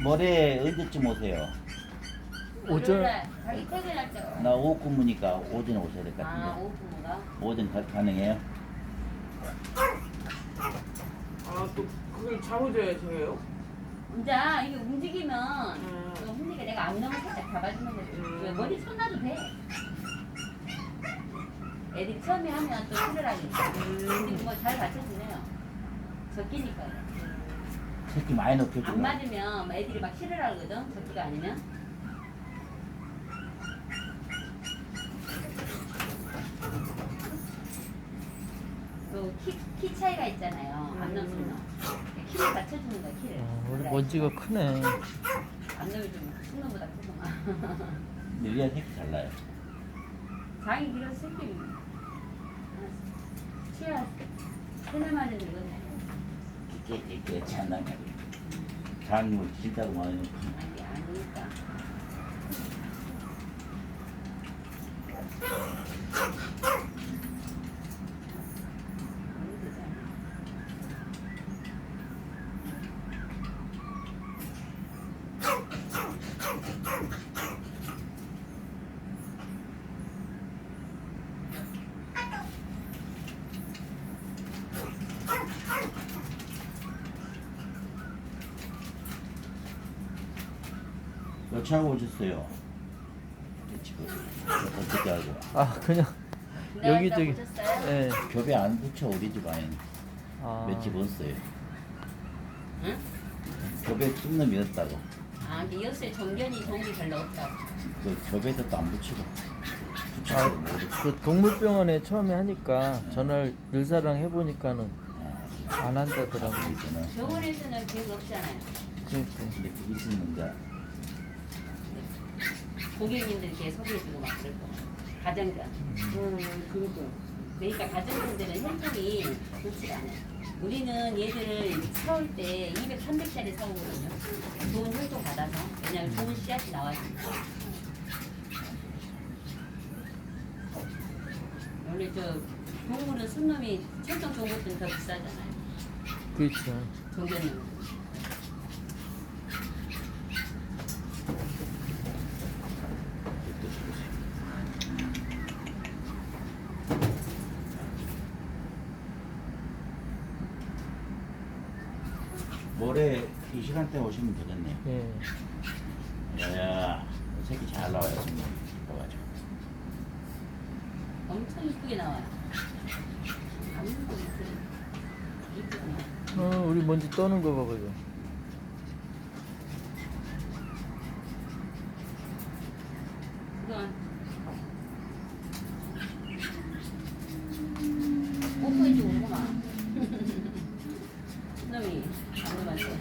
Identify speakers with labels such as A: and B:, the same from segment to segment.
A: 모레 언제쯤 오세요?
B: 오전
C: 자기 퇴근할 때.
A: 나 오후 근무니까 오전에 오셔야 될 것
C: 아,
A: 같은데.
C: 오후 근무가?
A: 오전 가능해요?
D: 아, 또 그걸 잡아줘야지 해요?
C: 이제 이게 움직이면 그 흔들게 내가 앞놈을 살짝 잡아주는 거지. 왜 머리 손 놔도 돼. 애들이 처음에 하면 또 싫으라니까. 근데 뭐 잘 받쳐주네요. 적기니까요.
A: 새끼 많이
C: 안
A: 넣혀주고.
C: 맞으면 애들이 막 싫으라 그러거든. 적기가 아니면. 또 키 차이가 있잖아요. 앞놈 손놈. 키를 받쳐주는 거야, 키를.
B: 우리 먼지가 크네.
C: 앞놈이 좀 손놈보다 크구만.
A: 밀리아 새끼 잘 나요.
C: 장이 길어서 새끼. 치아 세네마는 이거네.
A: 깨깨깨 찬단 말이야. 장물 길다고 말해놓고.
C: 아니 아니니까.
A: 몇 차고 오셨어요? 지금 어떻게 하고?
B: 아 그냥 여기저기.
C: 보셨어요?
B: 예.
A: 교배 안 붙여 우리 집안에
B: 아.
A: 몇 집 없어요.
C: 응?
A: 교배 뚫는 미었다고.
C: 아, 근데 이었어요. 정견이 정이 별로 없다고.
A: 그 교배도 또 안 붙이고.
B: 아,
A: 붙여도 모르고.
B: 그 동물병원에 처음에 하니까 전화를 늘사랑 해보니까는 안 한다더라고.
A: 있잖아.
C: 병원에서는 계획 없잖아요.
B: 그러니까.
A: 근데 그게 있는데
C: 고객님들께 소개해주고 막 그럴 거. 가정견.
D: 그니까.
C: 그러니까 가정견들은 혈통이 좋지 않아요. 우리는 얘들을 사올 때 200, 300짜리 사오거든요. 좋은 혈통 받아서. 왜냐면 좋은 씨앗이 나와주니까. 원래 저 동물은 순놈이 혈통 좋은 것들은 더 비싸잖아요.
B: 그렇죠.
C: 정견은.
A: 모레 이 시간대 오시면 되겠네요.
B: 예.
A: 야야, 이 새끼 잘 나와요 지금. 봐가지고.
C: 엄청 이쁘게 나와요. 아무것도 이쁘게 나와요.
B: 우리 먼지 떠는 거 봐봐요.
C: 그건 뽀뽀해주고 오구만. 놈이 안놈한테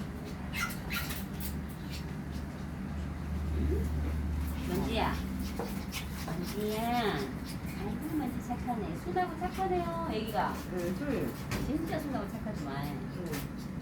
C: 먼지야. 먼지야. 아이고 먼지 착하네. 순하고 착하네요 애기가.
D: 네, 저예요.
C: 진짜 순하고 착하지만.
D: 네.